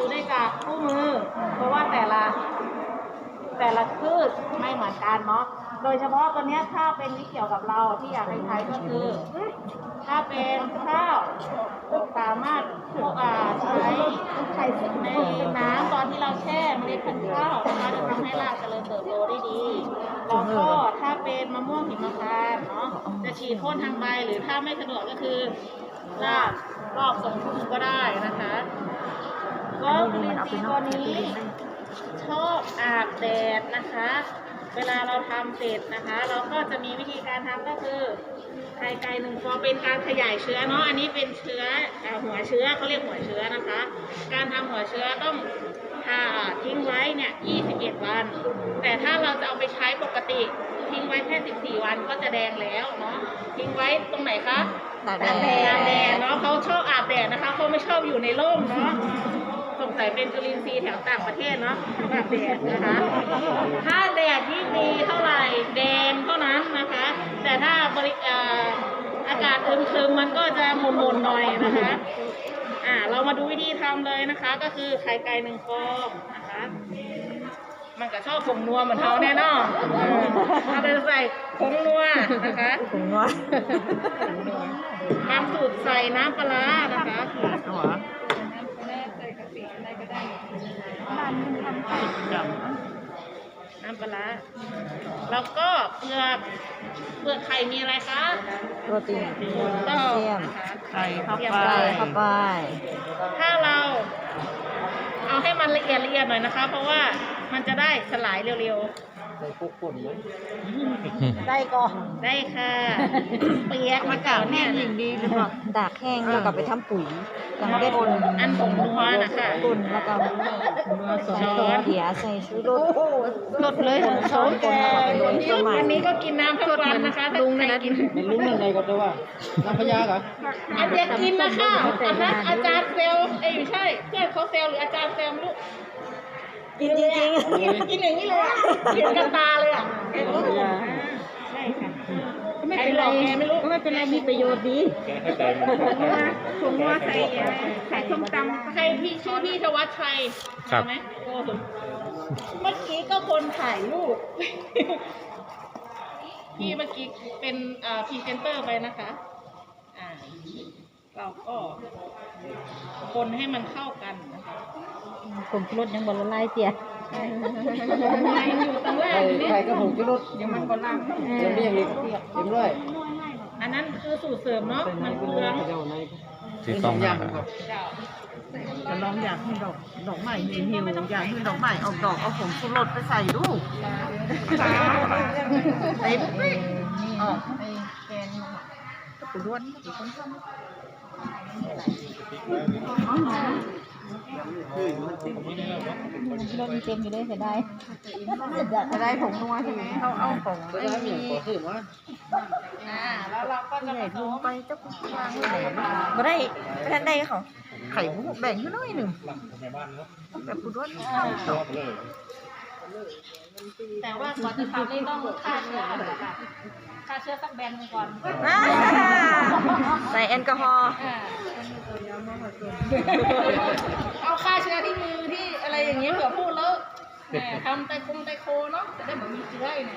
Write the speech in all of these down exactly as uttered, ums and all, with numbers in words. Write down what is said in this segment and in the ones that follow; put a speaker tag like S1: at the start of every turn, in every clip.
S1: ดูได้จากคู่มือเพราะว่าแต่ละแต่ละพืชไม่เหมือนกันเนาะโดยเฉพาะตัวนี้ถ้าเป็นที่เกี่ยวกับเราที่อยากให้ใช้ก็คือถ้าเป็นข้าวสามารถใช้ในน้ำตอนที่เราแช่เมล็ดพันธุ์ข้าวนะคะจะทำให้รากเจริญเติบโตได้ดีแล้วก็ถ้าเป็นมะม่วงหิมพานต์เนาะจะฉีดพ่นทางใบหรือถ้าไม่สะดวกก็คือรากรอบทรงพุ่มก็ได้นะคะก็จุลินทรีย์ตัวนี้ชอบอาบแดดนะคะเวลาเราทำเสร็จนะคะเราก็จะมีวิธีการทำก็คือไข่ไก่หนึ่งฟองเป็นการขยายเชื้อเนาะอันนี้เป็นเชื้อหัวเชื้อเขาเรียกหัวเชื้อนะคะการทำหัวเชื้อต้องทิ้งไว้เนี่ยยี่สิบเอ็ดวันแต่ถ้าเราจะเอาไปใช้ปกติทิ้งไว้แค่สิบสี่วันก็จะแดงแล้วเนาะทิ้งไว้ตรงไหนคะตากแดดตากแดดเนาะเขาชอบอาบแดดนะคะเขาไม่ชอบอยู่ในร่มเนาะสงสัยเป็นจุลินทรีย์แถวต่างประเทศเนาะอาบแดดนะคะถ้าแดดยิ่งดีเท่าไหร่แดงเท่านั้นนะคะแต่ถ้าบริอากาศอึมๆมันก็จะหม่นๆหน่อยนะคะอ่าเรามาดูวิธีทำเลยนะคะก็คือไข่ไก่หนึ่งฟองนะคะมันก็ชอบผงนัวเหมือนเขาแน่นอนเอาไปใส่ผงนัวนะคะ
S2: ผงนัว
S1: บางสูตรใส่น้ำปลานะคะน้ำปลาแล้วก็เปลือกเปลือกไข่มีอะไรคะ
S2: โปรตีนแคลเซียม
S1: ไข่เข้าไป
S2: เข้าไป
S1: ถ้าเราเอาให้มันละเอียดละเอียดหน่อยนะคะเพราะว่ามันจะได้สลายเร็วๆ
S3: ได้พวกคนไหม
S2: ได้ก็
S1: ได้ค่ะเปียกมาเก่าเนี่ย
S2: ยิ่งดีหรือเปล่าตากแห้งแล้วก็ไปทำปุ๋ยยังได้ผล
S1: อันผงนัวนะคะ
S2: ปุ่นแล้วก็ช้อนเดียใส่ชูรส
S1: สดเลยช้อนแกอันนี้ก็กินน้ำทุกวันนะคะลุงนะกิน
S3: เป็นลุงนั่นไงก็จะว่าน้ำพยาเหรอ
S1: อาจารย์กินนะคะอาจารย์อาจารย์เซลเอ้ยไม่ใช่เพื่อนเขาเซลหรืออาจารย์เซลไม่รู้
S2: กินจริงจริง
S1: กินอย่างนี้เลยกินกันตาเลยอ่ะใช่ค่ะไม่เป็นไรไม่รู้ไม่เป็นไรมีประโยชน์ดีถุงว่าใส่ใส่ส้มตำใครพี่ชื่อพี่ธวัชชัยใช่ไหมโอ้เมื่อกี้ก็คนถ่ายรูปพี่เมื่อกี้เป็นพรีเซนเตอร์ไปนะคะอ่าเราก็คนให้มันเข้ากันนะคะ
S2: ผมรสยังบอลไล่เจีย
S1: อยู่ตรงแรก
S3: นี่ใครก็ผมจะรส
S1: ยังมันบอลล่าง
S3: ยังไม่ยังอีกยังด้วย
S1: อันนั้นคือสูตรเสริมเนาะมันเปลือง
S3: ที่ต้องยำครับ
S2: จะลองอยากให้ดอกดอกใหม่หิวหิวอยากให้ดอกใหม่ออกดอกเอาผงชูรสไปใส่ดูไอ้นี่ออกไอ้แกนปุ๋ยล้วนปุ๋ยคนชอบอ๋อรถมีเต็มอยู่เลยเสียดายจะได้ผงนัวใช่ไหมเขาเอาผง
S3: ไปได้เหมือนขอถือว่า
S1: อ่าแล้วเราก็จะ
S2: ใหญ่ลงไปเจ้าคุณวางไว้ไหนมาได้ไม่ทันได้เขาไข่มุกแบ่งให้น้อยหนึ่งแบบคุณว่าชอบเลย
S1: แต่ว่าก่อนจะทำนี่ต้องฆ่าเชื้อฆ่าเชื้อสักแบนก่อน
S2: ใส่แอลกอฮอล์
S1: เอาฆ่าเชื้อที่มือที่อะไรอย่างเงี้ยเผื่อพูดแล้วทำไตคงไตโคเนาะจะได้เหมือนมีเชื้อเนี่ย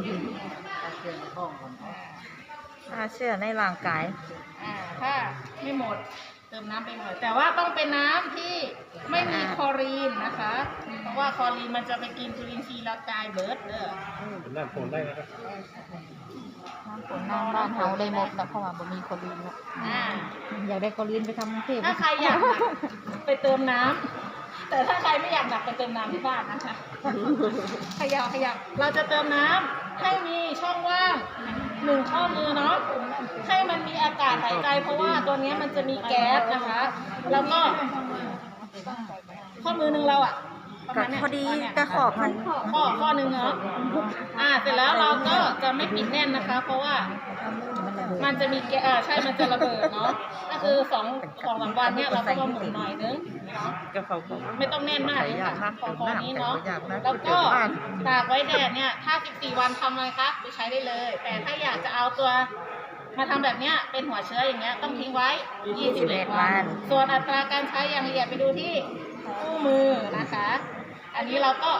S2: ฆ่าเชื้อในร่างกาย
S1: อ่าถ้าไม่หมดเติมน้ำไปหน่อยแต่ว่าต้องเป็นน้ำที่ไม่มีคลอรีนนะคะเพราะว่าคลอรีนมันจะไปกินจุลินทรีย์แล้วตายเบิร์ดเด้อ
S3: น้ำฝนได้นะครับ
S2: น้ำฝนน้ำบ้านเฮาได้หมดแต่เพราะว่าบ่มีคลอรีนเนาะอยากได้คลอรีนไปทำเทพ
S1: ถ้าใครอยากไปเติมน้ำแต่ถ้าใครไม่อยากหนักไปเติมน้ำที่บ้านนะคะขยับขยับเราจะเติมน้ำให้มีช่องว่างหนึ่งข้อมือเนาะให้มันมีอากาศหายใจเพราะว่าตัวนี้มันจะมีแก๊สนะคะแล้วก็ข้อมือหนึ่งเราอ่ะ
S2: พอดีกระขอบมัน
S1: ข้อข้อหนึ่งเนาะอ่าเสร็จแล้วเราก็จะไม่ปิดแน่นนะคะเพราะว่ามันจะมีแก๊สอ่าใช่มันจะระเบิดเนาะก็คือสองสองสามวันเนี่ยเราก็มาหมุนหน่อยนึงไม่ต้องแน่นมากนะคะพอพอนี้เนาะแล้วก็ตากไว้แดดเนี่ยถ้าสิบสี่วันทำอะไรคะไปใช้ได้เลยแต่ถ้าอยากจะเอาตัวมาทำแบบเนี้ยเป็นหัวเชื้ออย่างเงี้ยต้องทิ้งไว้ยี่สิบเอ็ดวันส่วนอัตราการใช้อย่างละเอียดไปดูที่มือนะคะ อันนี้เราก็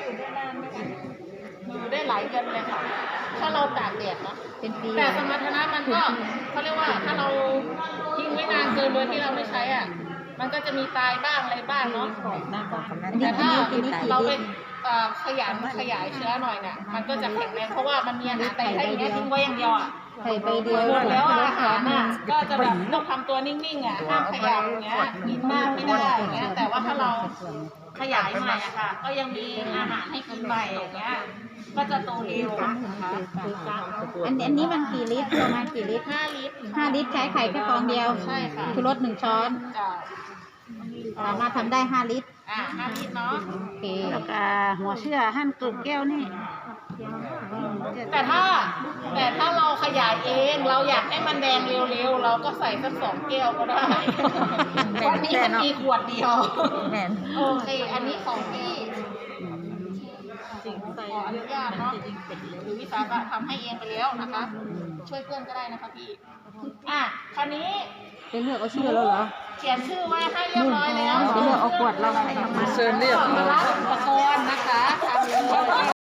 S1: อยู่ได้หลายเดือนเลยค่ะ ถ้าเราตากแดดเนาะ
S2: เป็นปี
S1: แต่สมรรถนะมันก็เขาเรียกว่าถ้าเราทิ้งไว้นานเกินโดยที่เราไม่ใช้อ่ะ มันก็จะมีตายบ้างอะไรบ้างเนาะ
S2: หน้าบอกคำนั้น
S1: แต่ถ้า
S2: อันนี้กี่
S1: เราไป
S2: ลิตร
S1: เอ่อขยันขยายเชื้อหน่อยเนี่ย มันก็จะแข็งแรงเพราะว่ามันมีอาหารแต่ถ้าอย่างเงี้ยทิ้งไว้อย่างเดียวอ่ะ
S2: ไข่ใบเดียว
S1: หมดแล้วอาหารน่ะก็จะแบบต้องทำตัวนิ่งๆอ่ะห้ามขยับอย่างเงี้ยกินมากไม่ได้อย่างเงี้ยแต่ว่าถ้าเราขยายใหม่อะค่ะ ก็ยังมีอาหารให้กินใหม่อย่างเงี้ยก็จะโตเร็วนะคะ
S2: อันอันนี้มันกี่ลิตรประมาณกี่ลิตร
S1: ห้าลิตร
S2: ห้าลิตรใช้ไข่แค่ฟองเดียว
S1: ใช่ค่ะ
S2: ชูรสหนึ่งช้อน
S1: จ้ะ
S2: สามารถทำได้ห้าลิตร
S1: อ่าห้าลิตรเนาะ
S2: โอเค
S4: แล้วก็หัวเชื่อหั่นกลุ่มแก้วนี่
S1: แต่ถ้าแต่ถ้าเราขยายเองเราอยากให้มันแดงเร็วๆเราก็ใส่สักสองแก้วก็ได้เพราะนี้มันมีขวดเดียว
S2: แม่น
S1: โอเค อันนี้ของพี่ขออนุญาตเนาะหรือวิสาหะทำให้เองไปแล้วนะคะ ช่วยเพื่อนก็ได้นะคะพี่ อ่ะ คราวนี้
S2: จะเลือกเอาชื่อแล้วเหรอ
S1: เขียนชื่อไว้ให้เรียบร้อยแล้ว
S2: เดี๋ยวเอาขวดเราใส่เข้ามา
S1: เชิญเรียกมารับอุปกรณ์นะคะทำเลย